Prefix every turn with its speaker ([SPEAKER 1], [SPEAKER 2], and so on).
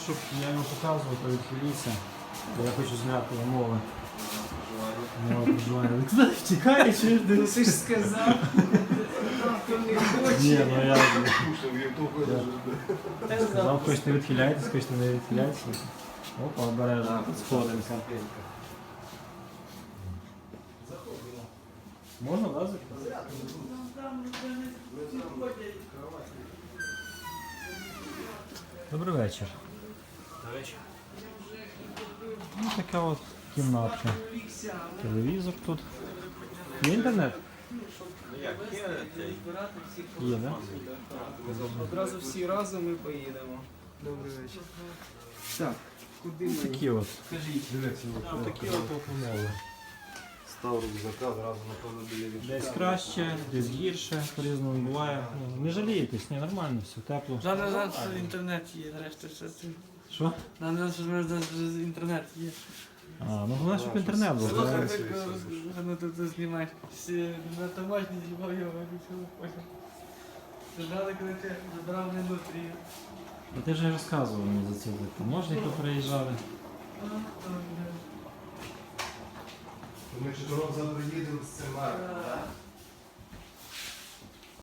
[SPEAKER 1] Щоб я йому показував, то відхиліться. Я хочу зняти умови. Умови проживання. Ви куди втікаєш?
[SPEAKER 2] Ну ти ж сказав, хто не хоче.
[SPEAKER 1] Ні, ну я
[SPEAKER 2] Сказав.
[SPEAKER 1] сказав, хочете відхиляйтесь, хочете не відхиляйтесь. Опа, обережно, сходимося. Можна, да, закрити? Добрий вечір. Ну, така от кімнатка. Телевізор тут. Є інтернет? Є, да?
[SPEAKER 2] Одразу всі разом і поїдемо. Добрий вечір. Так, куди ми?
[SPEAKER 1] Такі от.
[SPEAKER 2] Скажіть.
[SPEAKER 1] Такі от умови.
[SPEAKER 3] Став рюкзака, зразу напевно біля вікна.
[SPEAKER 1] Десь краще, десь гірше, по-різному буває. Ну, не жалієтесь, ні, нормально, все, тепло.
[SPEAKER 4] Зараз інтернет є, нарешті все це.
[SPEAKER 1] Що?
[SPEAKER 4] Нам інтернет є.
[SPEAKER 1] А, ну головне, щоб інтернет був.
[SPEAKER 4] Слухай,
[SPEAKER 1] да?
[SPEAKER 4] ну ти знімаєш. На таможні знімав його, виключили потім. Ждали, коли ти забрав на індустрію.
[SPEAKER 1] А ти вже розказував мені за ці таможні, хто приїжджали.
[SPEAKER 3] Ми ж завтра їдемо з цим марком, так?